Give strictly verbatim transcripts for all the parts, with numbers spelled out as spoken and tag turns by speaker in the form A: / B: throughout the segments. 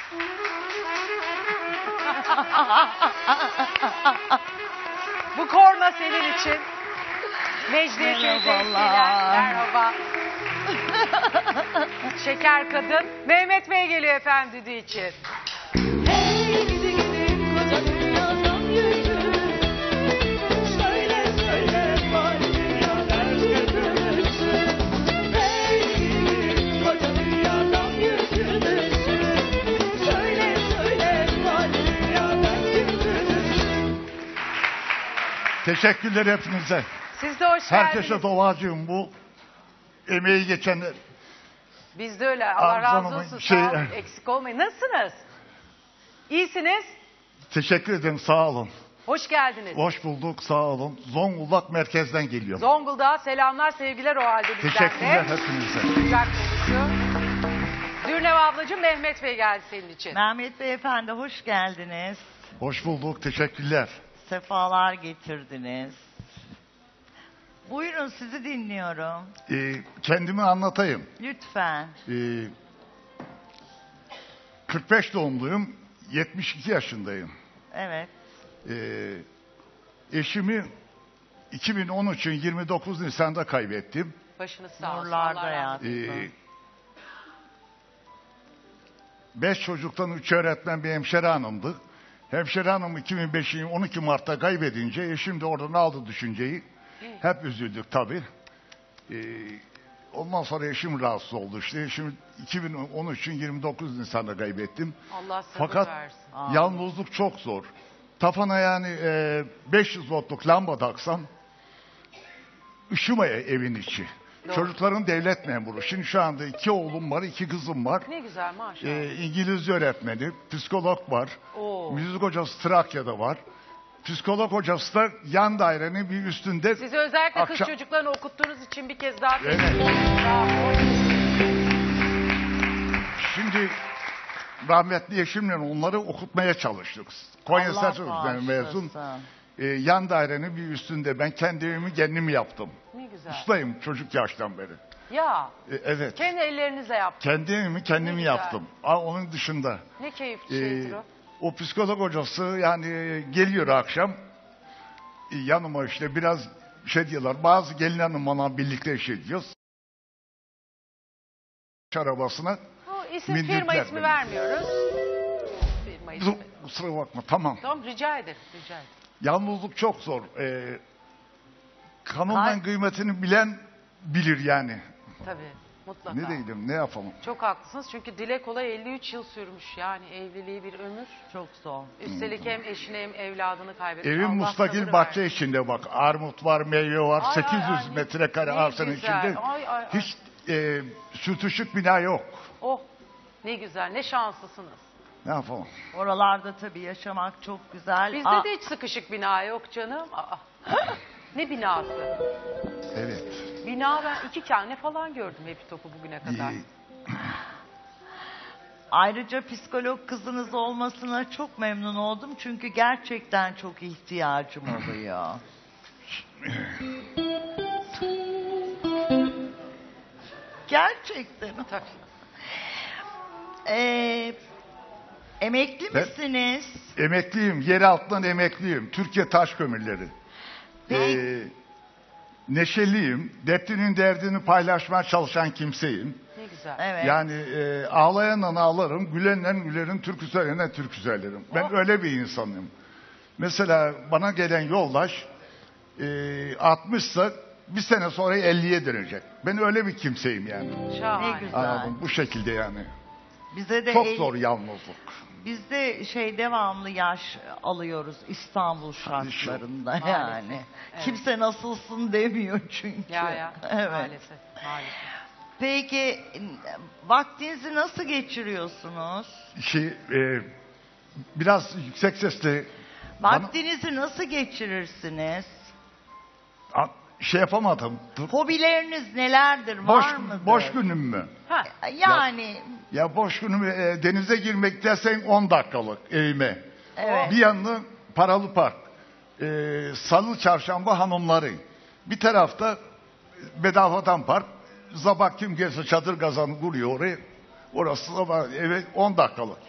A: Bu korna senin için. Mecliye
B: Merhabalar.
A: Merhaba. Şeker kadın. Mehmet Bey geliyor efendim düdüğü için.
B: Hey gidi gidi koca dünyadan yüzü. Söyle söyle var dünyalar götürürsün. Hey gidi gidi koca dünyadan yüzülürsün. Söyle söyle var dünyadan götürürsün.
C: Teşekkürler hepinize.
A: Siz de hoş
C: Herkese
A: geldiniz.
C: duacıyım bu emeği geçenler.
A: Biz de öyle. Allah razı
C: Hanım'ın
A: olsun.
C: şey-
A: Sağ olun. Eksik olmayın. Nasılsınız? İyisiniz.
C: Teşekkür ederim, sağ olun.
A: Hoş geldiniz.
C: Hoş bulduk, sağ olun. Zonguldak merkezden geliyorum.
A: Zonguldak'a selamlar, sevgiler o halde bizden
C: Teşekkürler
A: de.
C: hepinize.
A: Güzel konuşu. Dürnev ablacığım, Mehmet Bey geldi senin için.
D: Mehmet Beyefendi hoş geldiniz.
C: Hoş bulduk, teşekkürler.
D: Sefalar getirdiniz. Buyurun sizi dinliyorum.
C: Ee, kendimi anlatayım.
D: Lütfen.
C: Ee, kırk beş doğumluyum, yetmiş iki yaşındayım.
D: Evet.
C: Ee, eşimi iki bin on üçün yirmi dokuz Nisan'da kaybettim.
A: Başınız sağ olsun.
D: Nurlarda
A: Allah razı olsun.
D: yatsın.
C: Ee, beş çocuktan üç öğretmen bir hemşire hanımdı. Hemşire hanım iki bin beşin on iki Mart'ta kaybedince eşim de oradan aldı düşünceyi. Hep üzüldük tabii. Ee, ondan sonra eşim rahatsız oldu işte. Eşim iki bin on üçün yirmi dokuz Nisan'da kaybettim.
A: Allah sabır
C: Fakat
A: versin.
D: Amin.
C: yalnızlık çok zor. Tafana yani e, beş yüz voltluk lamba taksam ışımaya evin içi.
A: Doğru.
C: Çocukların devlet memuru. Şimdi şu anda iki oğlum var, iki kızım var.
A: Ne güzel maşallah.
C: Ee, İngilizce öğretmeni, psikolog var.
A: Oo.
C: Müzik hocası Trakya'da var. Psikolog hocası da yan dairenin bir üstünde.
A: Sizi özellikle kız
C: Akşam-
A: çocuklarını okuttuğunuz için bir kez daha
C: Evet.
A: tebrik ederim. Bravo.
C: Şimdi rahmetli eşimle onları okutmaya çalıştık. Konya
D: Allah
C: Selçuklu'dan mezun.
D: bağışlasın.
C: Ee, yan dairenin bir üstünde. Ben kendi evimi kendim yaptım.
A: Ne güzel.
C: Ustayım çocuk yaştan beri.
A: Ya
C: Ee, evet.
A: kendi ellerinizle yaptınız.
C: Kendi evimi kendim
A: Ne güzel.
C: yaptım. Aa, onun dışında.
A: Ne keyifli
C: Ee,
A: şeydir o.
C: o psikolog hocası yani geliyor akşam e, yanıma işte biraz şey diyorlar. Bazı gelin hanım bana birlikte şey diyoruz. Arabasına
A: O isim
C: Mindirtler
A: firma ismi
C: beni.
A: vermiyoruz. Firma ismi.
C: kusura bakma tamam.
A: Tamam rica ederim. Rica ederim.
C: Yalnızlık çok zor. Ee, kanundan
D: Kay-
C: kıymetini bilen bilir yani.
A: Tabii mutlaka.
C: Ne diyelim ne yapalım.
A: Çok haklısınız çünkü dile kolay elli üç yıl sürmüş yani evliliği bir ömür.
D: Çok zor.
A: Üstelik hem eşini hem evladını kaybetmiş.
C: Evim
A: Allah
C: mustakil
A: sabır
C: bahçe
A: versin.
C: içinde bak. Armut var, meyve var.
A: Ay, ay,
C: sekiz yüz
A: ay, ne-
C: metrekare
A: ne
C: arsanın
A: güzel.
C: içinde.
A: Ay, ay, ay.
C: Hiç e, sürtüşük bina yok.
A: Oh ne güzel ne şanslısınız.
C: Ne yapalım?
D: Oralarda tabii yaşamak çok güzel.
A: Bizde
D: Aa,
A: de hiç sıkışık bina yok canım. Aa. Ne binası?
C: Evet.
A: Bina ben iki tane falan gördüm hep topu bugüne kadar.
C: Ee,
D: Ayrıca psikolog kızınız olmasına çok memnun oldum. Çünkü gerçekten çok ihtiyacım oluyor. Gerçekten.
A: Tabii.
D: Ee, emekli
C: Ben-
D: misiniz?
C: Emekliyim. Yer altından emekliyim. Türkiye Taş Kömürleri.
D: Peki.
C: Ee, neşeliyim. Dertlinin derdini paylaşmaya çalışan kimseyim.
A: Ne güzel.
D: Evet.
C: Yani e, ağlayanla ağlarım, gülenle gülerim, türkü söyleyenle türkü söylerim. Ben
A: Oh.
C: öyle bir insanım. Mesela bana gelen yoldaş e, altmışsa bir sene sonra elliye dönecek. Ben öyle bir kimseyim yani.
A: Şahane.
D: Ne güzel.
C: Anladım. Bu şekilde yani.
D: Bize de
C: Çok
D: el-
C: zor yalnızlık.
D: Biz de şey devamlı yaş alıyoruz İstanbul şartlarında
A: Maalesef.
D: yani.
A: Evet.
D: Kimse nasılsın demiyor çünkü.
A: Ya ya
D: Evet.
A: maalesef maalesef.
D: Peki vaktinizi nasıl geçiriyorsunuz?
C: Şey, e, biraz yüksek sesle bana-
D: Vaktinizi nasıl geçirirsiniz?
C: A- şey yapamadım. Dur.
D: Hobileriniz nelerdir?
C: Boş,
D: Var mıdır?
C: boş günüm mü?
A: Ha,
D: Yani
C: Ya boş günüm e, denize girmek dersen on dakikalık evime.
D: evet.
C: Bir yanı paralı park. Ee, Salı çarşamba hanımları. Bir tarafta bedavadan park. Sabah kim gelse çadır kazanı kuruyor oraya. Orası sabah eve on dakikalık.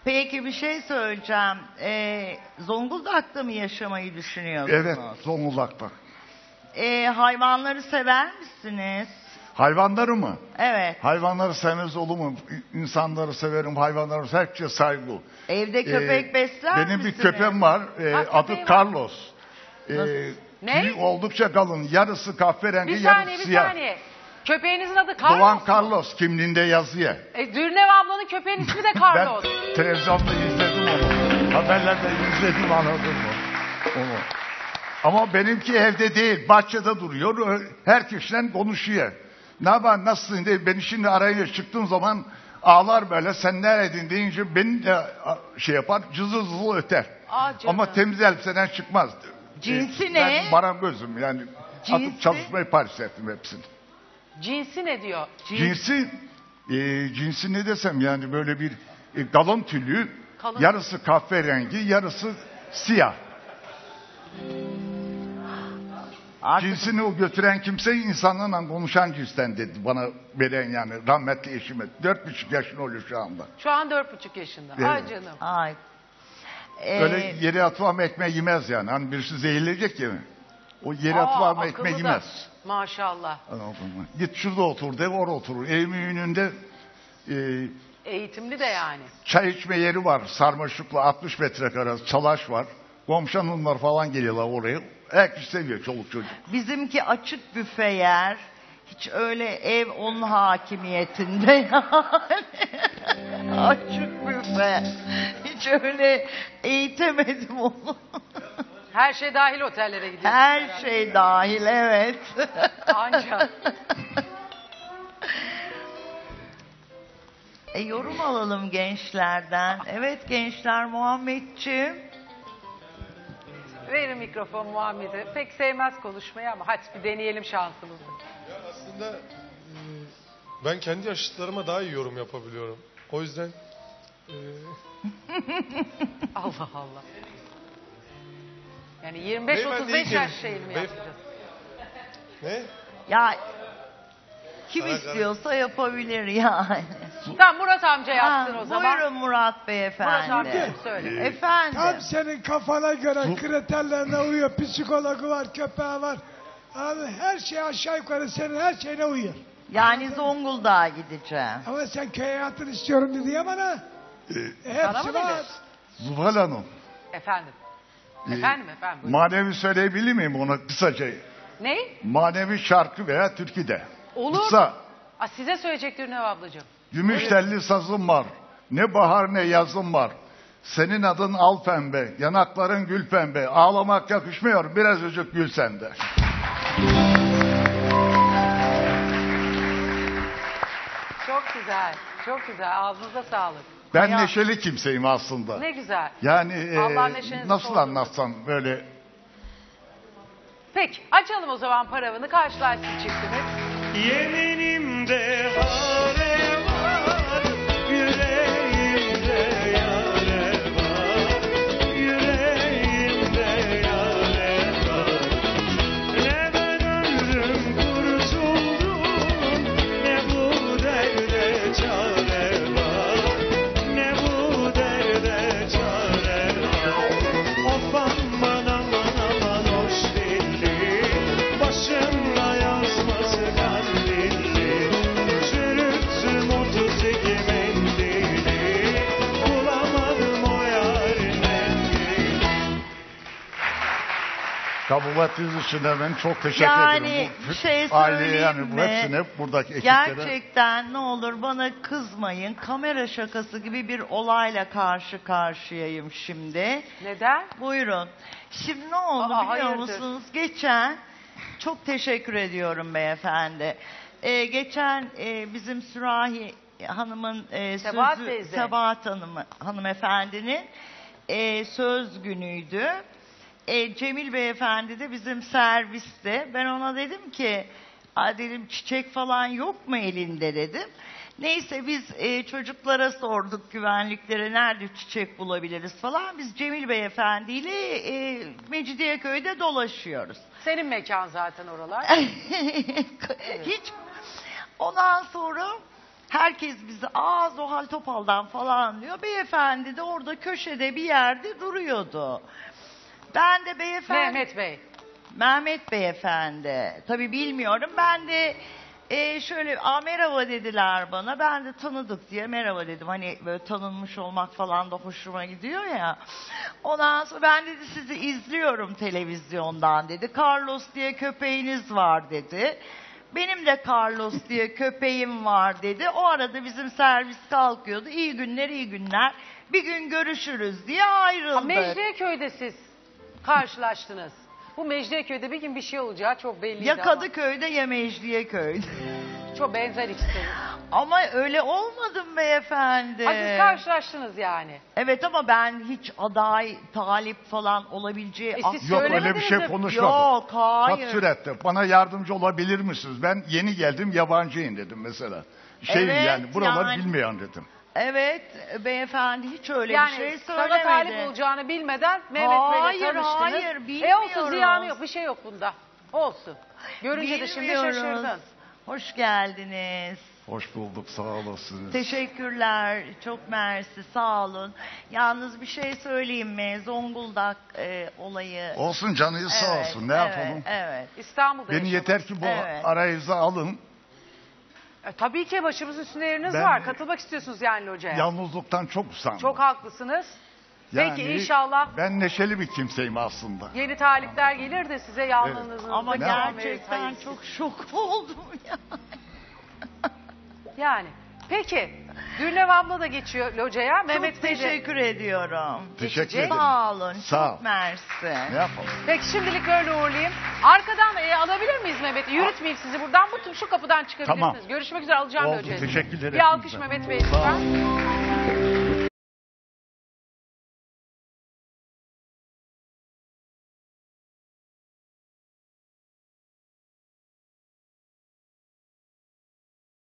D: Peki bir şey söyleyeceğim. Ee, Zonguldak'ta mı yaşamayı düşünüyorsunuz?
C: Evet, Zonguldak'ta.
D: Ee, hayvanları sever misiniz?
C: Hayvanları mı?
D: Evet.
C: Hayvanları sevmez olur mu? İnsanları severim, hayvanları herkese saygı.
D: Evde köpek
C: Ee,
D: besler
C: Benim
D: misiniz?
C: bir köpeğim var. Ee,
A: Ha,
C: adı
A: köpeği var.
C: Carlos. Ee,
A: Ne?
C: tüyü oldukça kalın. Yarısı kahverengi,
A: Bir
C: yarısı
A: saniye bir
C: siyah.
A: saniye. Köpeğinizin adı Carlos
C: Doğan
A: mu?
C: Carlos kimliğinde yazıyor.
A: E, Dürnev ablanın köpeğin ismi de Carlos.
C: Ben televizyonda izledim onu. Haberlerde izledim, anladım mı? Onu. Ama benimki evde değil, bahçede duruyor. Herkesle konuşuyor. Ne yapar, nasılsın diye beni şimdi arayınca çıktığım zaman ağlar böyle. Sen neredeydin deyince beni de şey yapar, cızı cızı öter.
A: Aa, canım.
C: Ama temiz elbiseden çıkmaz.
D: Cinsi
C: Ee,
D: ne?
C: Ben marangozum yani.
D: Cinsi?
C: Atıp çalışmayı Paris ettim hepsini.
A: Cinsi ne diyor?
C: Cinsi, e, cinsi ne desem yani böyle bir e, galon tüylü,
A: Kalın.
C: yarısı kahverengi, yarısı siyah.
D: Artık
C: Cinsini o götüren kimse insanlarla konuşan cinsten dedi bana veren yani rahmetli eşime. Dört buçuk yaşında oluyor şu anda.
A: Şu an dört buçuk yaşında.
C: Evet.
A: Ay canım.
D: Ay. Ee,
C: Öyle yere atılan ekmeği yemez yani. Hani birisi zehirleyecek ya. O yere
A: Aa,
C: atılan
A: akıllı
C: ekmeği
A: da.
C: yemez.
A: Maşallah.
C: Anladın mı? Git şurada otur de orada oturur. Evimin önünde e,
A: Eğitimli de yani.
C: çay içme yeri var. Sarmaşıkla altmış metrekare salaş var. Komşu hanımlar falan geliyorlar oraya. Herkes seviyor çoluk çocuk.
D: Bizimki açık büfe yer. Hiç öyle ev onun hakimiyetinde yani. Açık büfe. Hiç öyle eğitemedim onu.
A: Her şey dahil otellere gidiyor.
D: Her şey dahil, evet.
A: Anca.
D: E, yorum alalım gençlerden. Evet gençler, Muhammedciğim.
A: Verin mikrofon Muhammed'e. Pek sevmez konuşmayı ama hadi bir deneyelim şansımızı.
E: Ya aslında e, ben kendi yaşıtlarıma daha iyi yorum yapabiliyorum. O yüzden e,
A: Allah Allah. Yani yirmi beş otuz
E: Beyefendi
A: beş
E: iyi
A: yaş
E: gelin.
A: şeyini mi
E: Beyef-
A: yapacağız?
E: ne?
D: Ya kim
E: Karar-
D: istiyorsa yapabilir yani.
A: Tamam Murat amca yapsın
D: Ha,
A: o zaman.
D: Buyurun Murat
A: Murat amca
D: Beyefendi.
A: söyle.
D: Efendim.
F: Tam senin kafana göre kriterlerine uyuyor. Psikologu var, köpeği var. Abi her şey aşağı yukarı senin her şeyine uyuyor.
D: Yani Zonguldak'a gideceğim.
F: Ama sen köy hayatını istiyorum dedi ya bana. E,
A: Sana
F: hepsi
A: mı
F: var.
A: dedi?
C: Zuhal Hanım.
A: Efendim.
C: e,
A: Efendim efendim. buyurun.
C: Manevi söyleyebilir miyim ona kısaca?
A: Ne?
C: Manevi şarkı veya türkü de.
A: Olur.
C: Kısa.
A: Aa, size söyleyecek Dürnev ablacığım.
C: Gümüş telli sazım var. Ne bahar ne yazım var. Senin adın al pembe, yanakların gül pembe. Ağlamak yakışmıyor, biraz özük gül sende.
A: Çok güzel. Çok güzel. Ağzınıza sağlık.
C: Ben
D: Hayat-
C: neşeli kimseyim aslında.
A: Ne güzel.
C: Yani e,
A: Allah neşenizi
C: nasıl
A: sorsun.
C: anlatsam böyle
A: Peki açalım o zaman paravını karşılaşsın çiftimiz.
B: Yeminimde hare var, yüreğimde yare var, yüreğimde yare var. Ne ben ömrüm kurtuldum, ne bu derde çare var, ne bu derde çare var. Of aman aman aman hoş dilli, başımla yazması kandilli. Çürüttüm otuz iki mendili, bulamadım o yarın mendili.
C: kabul ettiğiniz için de ben çok teşekkür
D: Yani
C: ederim.
D: bir şey
C: Aileye
D: söyleyeyim
C: yani bu
D: mi?
C: hepsine buradaki ekiplere.
D: Gerçekten ne olur bana kızmayın. Kamera şakası gibi bir olayla karşı karşıyayım şimdi.
A: Neden?
D: Buyurun. Şimdi ne oldu
A: Aa,
D: biliyor
A: hayırdır?
D: musunuz? Geçen, çok teşekkür ediyorum beyefendi. Ee, geçen e, bizim Sürahi Hanım'ın e,
A: Sebahat
D: sözü,
A: teyze.
D: Sebahat Hanım, hanımefendinin e, söz günüydü. E, Cemil beyefendi de bizim serviste. Ben ona dedim ki, "Aa," dedim, "çiçek falan yok mu elinde?" dedim. Neyse biz e, çocuklara sorduk, güvenliklere nerede çiçek bulabiliriz falan. Biz Cemil beyefendiyle e, Mecidiyeköy'de dolaşıyoruz.
A: Senin mekan zaten oralar.
D: Hiç. Ondan sonra Herkes bizi aa Zuhal Topal'dan falan diyor. Beyefendi de orada köşede bir yerde duruyordu. Ben de beyefendi...
A: Mehmet Bey.
D: Mehmet Beyefendi. Tabii bilmiyorum. Ben de e, şöyle aa merhaba dediler bana. Ben de tanıdık diye merhaba dedim. Hani böyle tanınmış olmak falan da hoşuma gidiyor ya. Ondan sonra ben dedi sizi izliyorum televizyondan dedi. Carlos diye köpeğiniz var dedi. Benim de Carlos diye köpeğim var dedi. O arada bizim servis kalkıyordu. İyi günler iyi günler. Bir gün görüşürüz diye
A: Ha,
D: ayrıldık.
A: Mecidiyeköy'de siz karşılaştınız. Bu Mecidiyeköy'de bir gün bir şey olacağı çok belliydi
D: Ya
A: ama.
D: Kadıköy'de ya Mecidiyeköy'de.
A: Çok benzer ikisi.
D: Ama öyle olmadım beyefendi.
A: Ha, siz karşılaştınız yani.
D: Evet ama ben hiç aday, talip falan olabileceği...
A: E,
D: ah-
A: siz
C: Yok öyle bir
A: Söylemediniz
C: şey
A: mi?
C: konuşmadık.
D: Yok, hayır.
C: Kaç surette bana yardımcı olabilir misiniz? Ben yeni geldim yabancıyım dedim mesela. Şeyim
D: Evet,
C: yani buraları
D: yani-
C: bilmeyen dedim.
D: Evet beyefendi hiç öyle
A: Yani
D: bir şey
A: sana
D: söylemedi.
A: talip olacağını bilmeden Mehmet
D: Hayır,
A: Bey'le tanıştınız.
D: hayır,
A: E olsun
D: bilmiyoruz.
A: ziyanı yok, bir şey yok bunda. Olsun. Görünce de şimdi
D: Bilmiyoruz.
A: şaşırdın.
D: Hoş geldiniz.
C: Hoş bulduk sağ olasınız.
D: Teşekkürler. Çok mersi. Sağ olun. Yalnız bir şey söyleyeyim mi? Zonguldak e, olayı.
C: Olsun canınız sağ
D: Evet,
C: olsun ne
D: evet,
C: yapalım.
D: Evet.
A: İstanbul'da
C: Beni
A: yaşadınız.
C: yeter ki bu
D: Evet.
C: arayıza alın.
A: E, tabii ki başımız üstünde yeriniz
C: Ben-
A: var. Katılmak istiyorsunuz yani locaya.
C: Yalnızlıktan çok usandım.
A: Çok haklısınız. Peki
C: Yani
A: inşallah
C: Ben neşeli bir kimseyim aslında.
A: yeni talipler gelir de size yalnızlığınızı
D: Ama
C: Ne
D: gerçekten
A: hayır.
D: çok şok oldum ya.
A: Yani. Peki. Gülnev abla da geçiyor locaya. Mehmet
D: Çok
A: Bey de.
D: teşekkür ediyorum.
C: Teşekkür
A: Geçecek.
C: ederim.
D: Sağ olun.
C: Sağ ol.
D: Çok mersi.
C: Ne yapalım?
A: Peki şimdilik böyle uğurlayayım. Arkadan e, alabilir miyiz Mehmet'i? Yürütmeyeyim sizi buradan. Bu şu kapıdan çıkabilirsiniz.
C: Tamam.
A: Görüşmek üzere alacağım
C: Oldu,
A: locayı.
C: teşekkürler
A: Bir alkış
C: hepinize.
A: Mehmet Bey
C: Sağ olun.
A: lütfen.